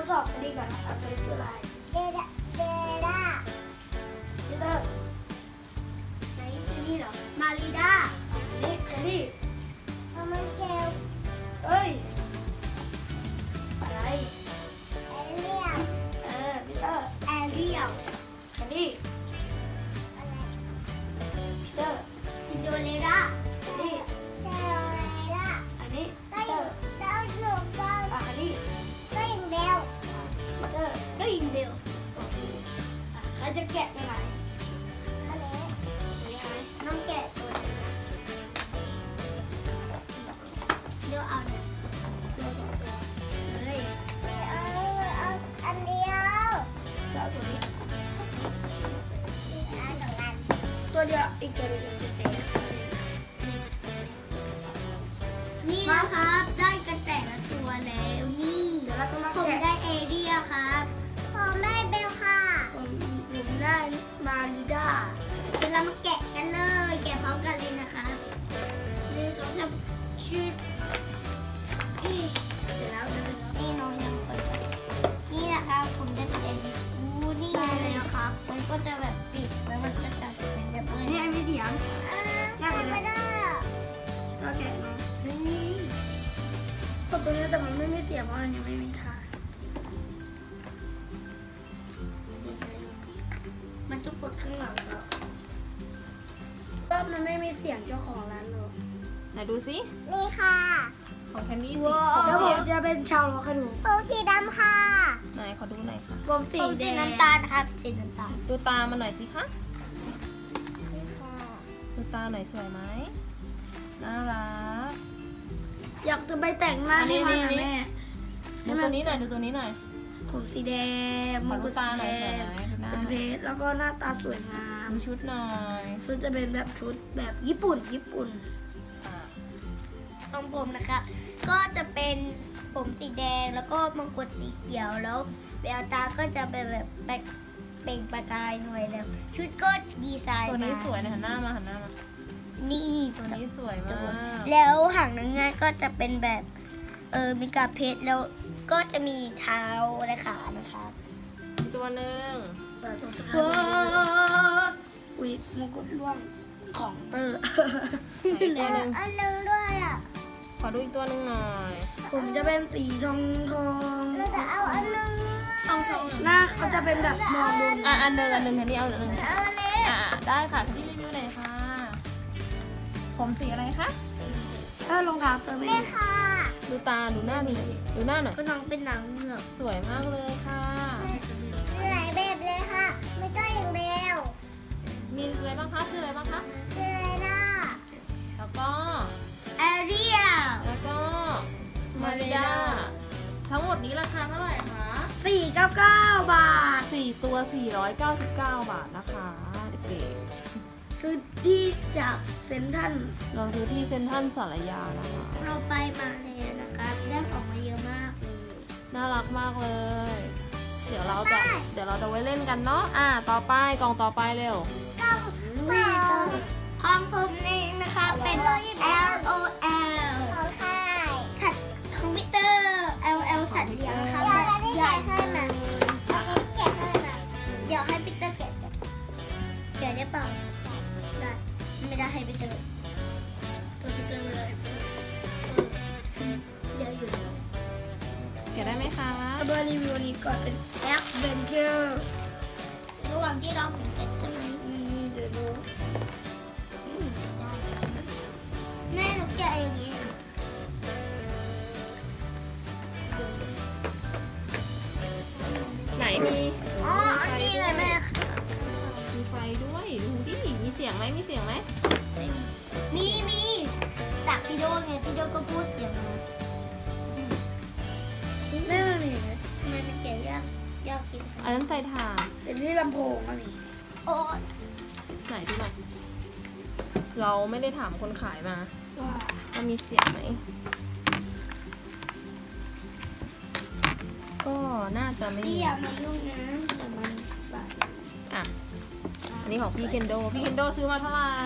สอบอันนี้ก่อนนะตัวนี้ชื่ออะไรเดด้าเดด้าพีเตอร์ไหนนี่เหรอมาริด้านี่แค่นี้มันเจลเอ้ยอะไรแอเรียลพีเตอร์แอเรียลแค่นี้อะไรพีเตอร์ซินโดเรลล่านี่เจลเรลล่าอันนี้พีเตอร์เจ้าหนูเจ้าอันนี้ก็ยิงเบลพีเตอร์ก็ยิงเบลใครจะแกะยังไงอันนี้น้องแกะตัวนี้นะเดี๋ยวเอาเนี่ยเดี๋ยวสองตัวเฮ้ยเอาอันเดียวแล้วตัวนี้ตัวเดียวอีกตัวเดียวจะเจ๊นี่นะครับได้กันแต่ละตัวแล้วนี่ผมได้เอเรียครับผมได้เบลค่ะผมได้มาริด้าเดี๋ยวเรามาแกะกันเลยแกะพร้อมกันเลยนะคะนี่ต้องทำชื่อเสร็จแล้วนี่น้องยังเปิดนี่นะครับผมได้เป็นเอเรียนี่เลยนะครับมันก็จะแบบปิดแล้วมันจะจัดเป็นแบบนี้มีเสียงไม่ได้ก็แกะเนาะกดตัวนี้แต่มันไม่มีเสียงเพราะมันยังไม่มีทางมันต้องกดข้างหลังแล้วก็มันไม่มีเสียงเจ้าของร้านหรอกไหนดูสินี่ค่ะของแคนดี้สีแล้วผมจะเป็นชาวล็อกกระดูกผมสีดำค่ะไหนขอดูหน่อยค่ะผมสีน้ำตาลครับสีน้ำตาลดูตามันหน่อยสิคะดูตาหน่อยสวยไหมน่ารักอยากจะไปแต่งหน้าให้มันนะแม่ดูตัวนี้หน่อยดูตัวนี้หน่อยผมสีแดงขอดูตาหน่อยเป็นเพชรแล้วก็หน้าตาสวยงามชุดหน่อยชุดจะเป็นแบบชุดแบบญี่ปุ่นของผมนะคะก็จะเป็นผมสีแดงแล้วก็มงกุฎสีเขียวแล้วแววตาก็จะเป็นแบบเปล่งประกายหน่อยแล้วชุดก็ดีไซน์ตัวนี้สวยนะหันหน้ามานี่ตัวนี้สวยมากแล้วหางนางงามก็จะเป็นแบบมีกาเพชรแล้วก็จะมีเท้าและขานะคะตัวหนึ่งอุ๊ยมงกุฎร่วงของเตอร์อันนึงด้วยอ่ะขอดูอีกตัวหนึ่งหน่อยผมจะเป็นสีทองเราจะเอาอันนึงหน้าเขาจะเป็นแบบมองบนอันหนึ่งอันนี้เอาอันหนึ่งได้ค่ะที่รีวิวหน่อยค่ะผมสีอะไรคะรองเท้าเตอร์ไม่ค่ะดูตาดูหน้าหน่อยก็น้องเป็นหนังเงือกสวยมากเลยค่ะหลายแบบเลยค่ะไม่ต้องอย่างเบลมีอะไรบ้างคะชื่ออะไรบ้างคะชื่ออะไรล่ะแล้วก็แอเรียลแล้วก็มาริดาทั้งหมดนี้ราคาเท่าไหร่คะ 499 บาท 4ตัว499 บาทนะคะเด็กๆซื้อที่จากเซ็นทรัลเราซื้อที่เซ็นทรัลสารยานะคะเราไปมาเลยนะคะได้ของมาเยอะมากเลยน่ารักมากเลยเดี๋ยวเราจะไว้เล่นกันเนาะต่อไปกล่องต่อไปเร็วของผมนี่นะคะเป็น LOL สัตว์คอมพิวเตอร์ LL สัตว์เลี้ยงค่ะใหญ่ให้มาแกะให้มาเดี๋ยวให้ปีเตอร์แกะได้เปล่าได้ไม่ได้ให้ปีเตอร์ตัวปีเตอร์เลยเดี๋ยวอยู่แกะได้ไหมคะเบอร์รีวิวนี้ก่อนเป็น Adventure ระหว่างที่เราผมแกะใช่ไหมเดี๋ยวดูแม่หนูแกะอย่างนี้ไหนมีนี่เลยแม่มีไฟด้วยดูดิมีเสียงไหมมีจากพี่โดไงพี่โดก็พูดเสียงแม่มันมีไหมทำไมมันแกะยากกินอันนั้นใส่ถ่านเป็นที่ลำโพงอะไรโอ้ไหนที่ไหนเราไม่ได้ถามคนขายมาว่ามีเสียงไหมก็น่าจะไม่มีอย่ามายุ่งนะแต่มันบาดอันนี้ของพี่เคนโดซื้อมาเท่าไหร่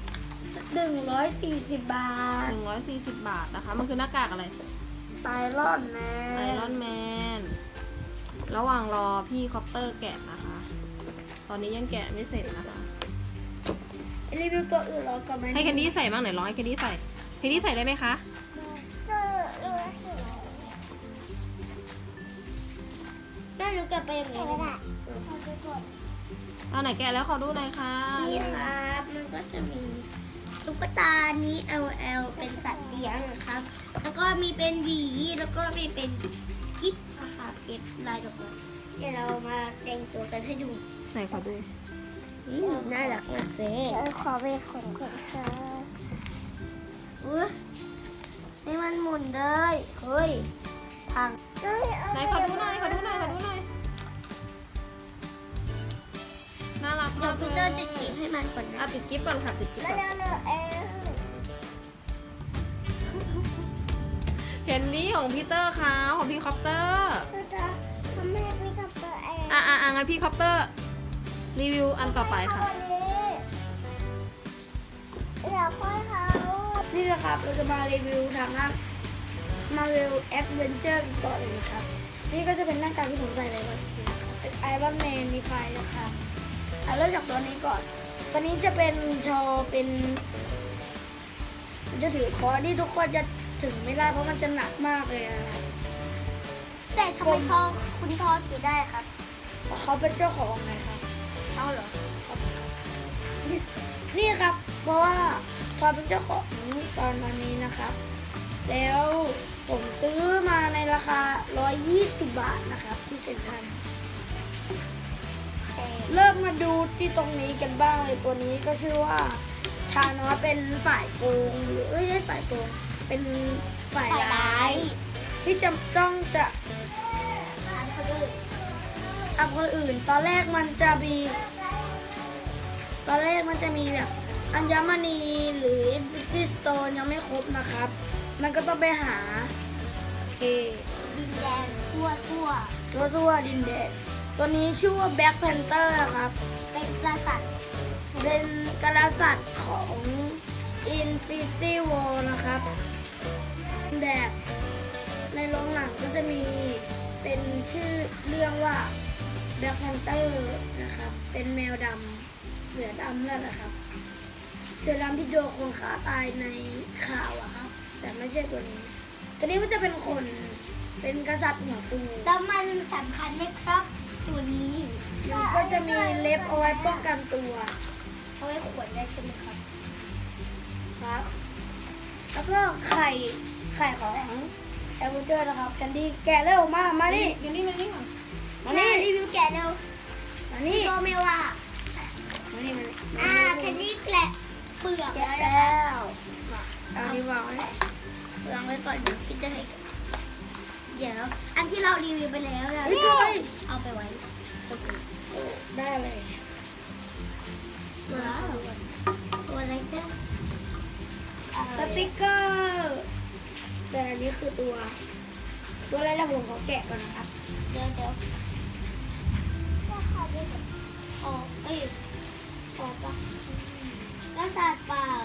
140 บาท 140 บาทนะคะมันคือหน้ากากอะไรไอรอนแมนระหว่างรอพี่คอปเตอร์แกะนะคะ ตอนนี้ยังแกะไม่เสร็จนะคะรีวิวตัวอื่นเราก่อนไหมให้แคนดี้ใส่บ้างไหนลองให้แคนดี้ใส่แคนดี้ใส่ได้ไหมคะแม่หนูกลับไปอย่างนี้ก็ได้เอาไหนแกะแล้วขอดูหน่อยค่ะนี่ครับมันก็จะมีตุ๊กตานี้ LL เป็นสัตว์เลี้ยงนะครับแล้วก็มีเป็นหวีแล้วก็มีเป็นกิ๊บนะคะเก็บลายดอกไม้เดี๋ยวเรามาแต่งตัวกันให้ดูไหนขอดูน่ารักมากเลยขอไปขนก่อนค่ะนี่มันหมุนเลยเฮ้ยพังไหนขอดูหน่อยขอดูหน่อยขอดูหน่อยน่ารักเดี๋ยมาว กพี่เตอร์ติดกิ๊บให้มันก่อนนะติดกิ๊บก่อนค่ะติดกิ๊บก่อนแคนดี้ของพี่เตอร์ค่ะของพี่คอปเตอร์ทำแม่พี่กับตัวเองงั้นพี่คอปเตอร์รีวิวอันต่อไปค่ะอยากค่อยเขานี่แหละครับเราจะมารีวิวทางด้าน Marvel Adventure กันต่อเลยนะครับนี่ก็จะเป็นหน้ากากที่ผมใส่ในวันนี้นะครับเป็น Iron Man มีไฟนะครับเริ่มจากตัวนี้ก่อนตัวนี้จะเป็นชอเป็นจะถือคอที่ทุกคนจะถึงไม่ได้เพราะมันจะหนักมากเลยนะครับแต่ทำไมคุณทอถือได้ครับเพราะเขาเป็นเจ้าของไงครับเอาเหรอนี่ครับเพราะว่าทอเป็นเจ้าของตอนนี้นะครับแล้วผมซื้อมาในราคา120 บาทนะครับที่เซ็นทรัลเริ่มมาดูที่ตรงนี้กันบ้างเลยตัวนี้ก็ชื่อว่าชาโนสเป็นฝ่ายโกงหรือไม่ใช่ฝ่ายโกงเป็นฝ่ายร้ายที่จะต้องจะทำคนอื่นตอนแรกมันจะมีแบบอัญมณีหรืออินฟินิตี้สโตนยังไม่ครบนะครับมันก็ต้องไปหาดินแดนทั่วดินแดนตัวนี้ชื่อว่าแบ็คแพนเตอร์นะครับเป็นกษัตริย์ของ Infinity War นะครับแบบในโรงหนังก็จะมีเป็นชื่อเรื่องว่าแบ็คแพนเตอร์นะครับเป็นแมวดำเสือดำนั่นแหละครับเสือดำที่โดนคนฆ่าตายในข่าวอะครับแต่ไม่ใช่ตัวนี้มันจะเป็นคนเป็นกษัตริย์หัวฟูแล้วมันสำคัญไหมครับตัวนี้มันก็จะมีเล็บเอาไว้ป้องกันตัวเอาไว้ขวนได้ใช่ไหมครับแล้วก็ไข่ของแอลเวอร์เจอร์นะครับแคนดี้แกะเร็วมาดิแคนดี้มานี่รีวิวแกะเร็วมานี่โตเมว่ามานี่แคนดี้แกะเปลือกแล้วเอาดีวางไว้ก่อนเดี๋ยวพี่จะให้เดี๋ยวอันที่เรารีวิวไปแล้วนะเอาไปไว้ได้เลยว้าวตัวอะไรเจ้าสติ๊กเกอร์แต่อันนี้คือตัวอะไรนะผมขอแกะก่อนนะครับเดี๋ยวออกปะกระสาดเปล่า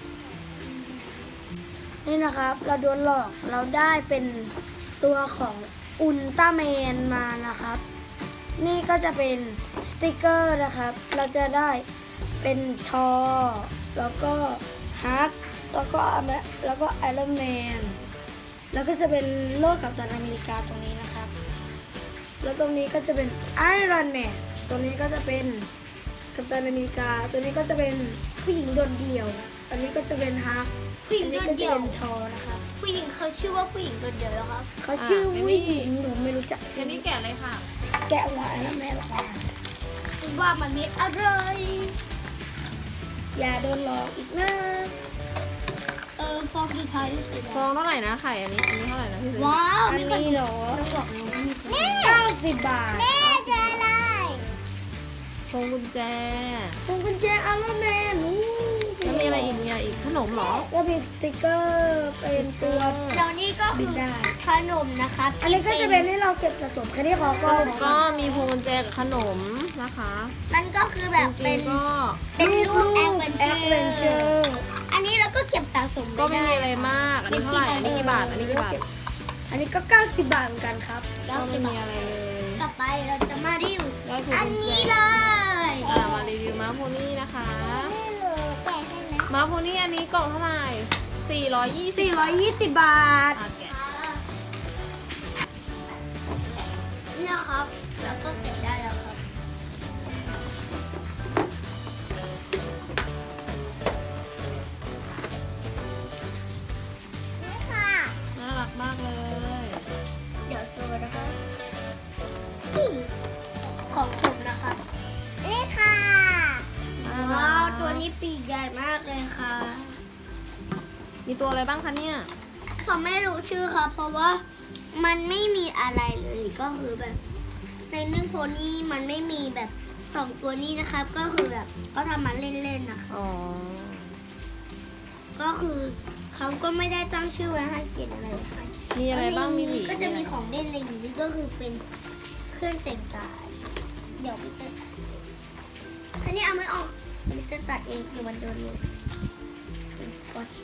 นี่นะครับเราโดนหลอกเราได้เป็นตัวของอุลตร้าแมนมานะครับนี่ก็จะเป็นสติกเกอร์นะครับเราจะได้เป็นทอแล้วก็ฮักแล้วก็ไอรอนแมนแล้วก็จะเป็นโลกกัปตันอเมริกาตรงนี้นะครับแล้วตรงนี้ก็จะเป็นไอรอนแมนตรงนี้ก็จะเป็นกัปตันอเมริกาตัวนี้ก็จะเป็นผู้หญิงโดดเดี่ยวอันนี้ก็จะเป็นฮักผู้หญิงโดดเดี่ยวทอนะครับผู้หญิงเขาชื่อว่าผู้หญิงโดดเดี่ยวแล้วครับเขาชื่อผู้หญิงหนูไม่รู้จักชื่อนี้แกะเลยค่ะแกะหัวแล้วแม่หรอว่ามันไม่อร่อยอย่าโดนหลอกอีกนะฟองสุดท้ายที่สุดฟองเท่าไหร่นะไข่อันนี้เท่าไหร่นะพี่ซื้อว้าวอันนี้เหรอ90 บาทแม่จะอะไรพวงกุญแจอารอนแมนแล้วมีอะไรอีกเนี่ยอีกขนมหรอก็มีสติกเกอร์เป็นตัวแล้วนี่ก็คือขนมนะครับอันนี้ก็จะเป็นให้เราเก็บสะสมแค่นี้ขอก็มีพวงกุญแจกับขนมนะคะมันก็คือแบบเป็นรูปแอดเวนเจอร์อันนี้เราก็เก็บสะสมก็ไม่มีอะไรมากอันนี้เท่าไหร่อันนี้กี่บาทอันนี้ก็90 บาทเหมือนกันครับก็ไม่มีอะไรเลยกับไปเราจะมารีวิวได้คืออันกุญแจนี้เลยมารีวิวม้าโพนี่นะคะนี่เลยแกะให้นะม้าโพนี่อันนี้กล่องเท่าไหร่420 บาทแกะเนี่ยครับแล้วก็แกะได้แล้วครับนี่ค่ะน่ารักมากเลยเดี๋ยวโชว์นะคะนี่ของผมนะคะนี่ค่ะ ว้าวตัวนี้ปีกใหญ่มากเลยค่ะมีตัวอะไรบ้างคะเนี่ยผมไม่รู้ชื่อครับเพราะว่ามันไม่มีอะไรเลยก็คือแบบ ในเรื่องโพนี่มันไม่มีแบบ2ตัวนี้นะครับ ก็คือแบบเขาทำมาเล่นๆนะคะอ๋อก็คือเขาก็ไม่ได้ตั้งชื่อไว้ให้เขียนอะไรค่ะมีอะไรบ้างมีหวีก็จะมีของเล่นในนี้ก็คือเป็นเครื่องแต่งกายเดี๋ยวพี่เตอร์คันนี้เอาไม่ออกพี่เตอร์ตัดเองเดี๋ยวมันโดนเลยโอเค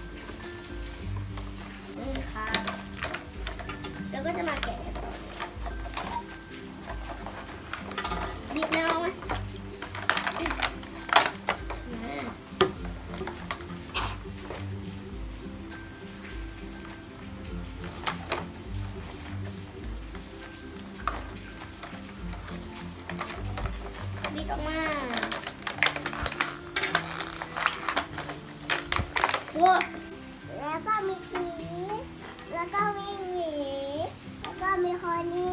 นี่ค่ะแล้วก็จะมาแกะกันต่อบิดไม่ออกไหมบิดออกมาโว้แล้วก็มีหวีแล้วก็มีหวีแล้วก็มีคอนี่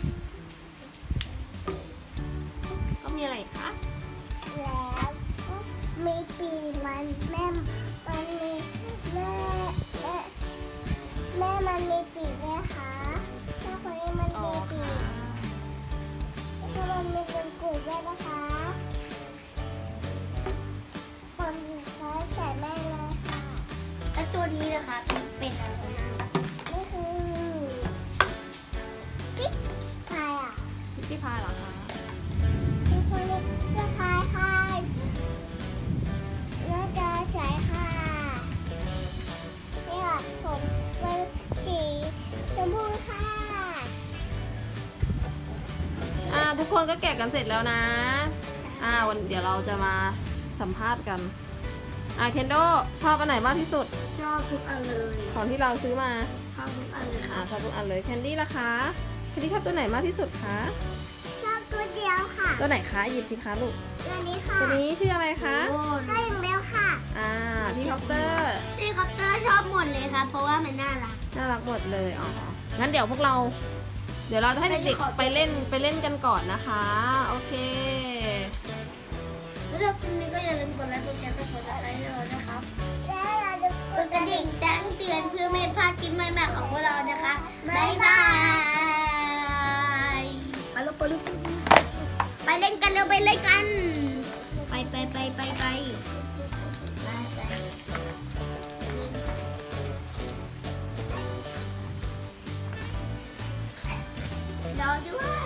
ก็มีอะไรอีกคะแล้วมีปีมันแม่มันมีแม่มันมีปีกไหมคะถ้าคนนี้มันอ๋อมีปีค่ะกถ้ามันมีเป็นกูด้วยนะคะคนเขาใส่แม่เลยค่ะแล้วตัวนี้นะคะเป็นอะไรนะนี่คือปิ๊กพายอ่ะพิซซี่พายเหรอคะทุกคนเรียกเสื้อพายค่ะน่าจะใช้ค่ะนี่ค่ะผมเป็นสีชมพูค่ะทุกคนก็แกะกันเสร็จแล้วนะ วันเดี๋ยวเราจะมาสัมภาษณ์กัน เคนโดชอบอันไหนมากที่สุดชอบทุกอันเลยของที่เราซื้อมาชอบทุกอันเลยค่ะชอบทุกอันเลย แคนดี้ล่ะคะแคนดี้ชอบตัวไหนมากที่สุดคะชอบตัวเดียวค่ะตัวไหนคะหยิบสิคะลูกตัวนี้ค่ะตัวนี้ชื่ออะไรคะได้อย่างเดียวค่ะพี่คอปเตอร์พี่คอปเตอร์ชอบหมดเลยค่ะเพราะว่ามันน่ารักน่ารักหมดเลย งั้นเดี๋ยวพวกเรา เดี๋ยวเราจะให้เด็กๆไปเล่นกันก่อนนะคะ โอเคแล้วถ้าคุณนี้ก็อย่าลืมกดไลค์กดแชร์กดซับสไครต์ให้เรานะครับแล้วอย่าลืมกดกระดิ่งแจ้งเตือนเพื่อไม่พลาดคลิปใหม่ๆของพวกเรานะคะบ๊ายบายไปเล่นกันเร็วไปเล่นกันไปรอด้วย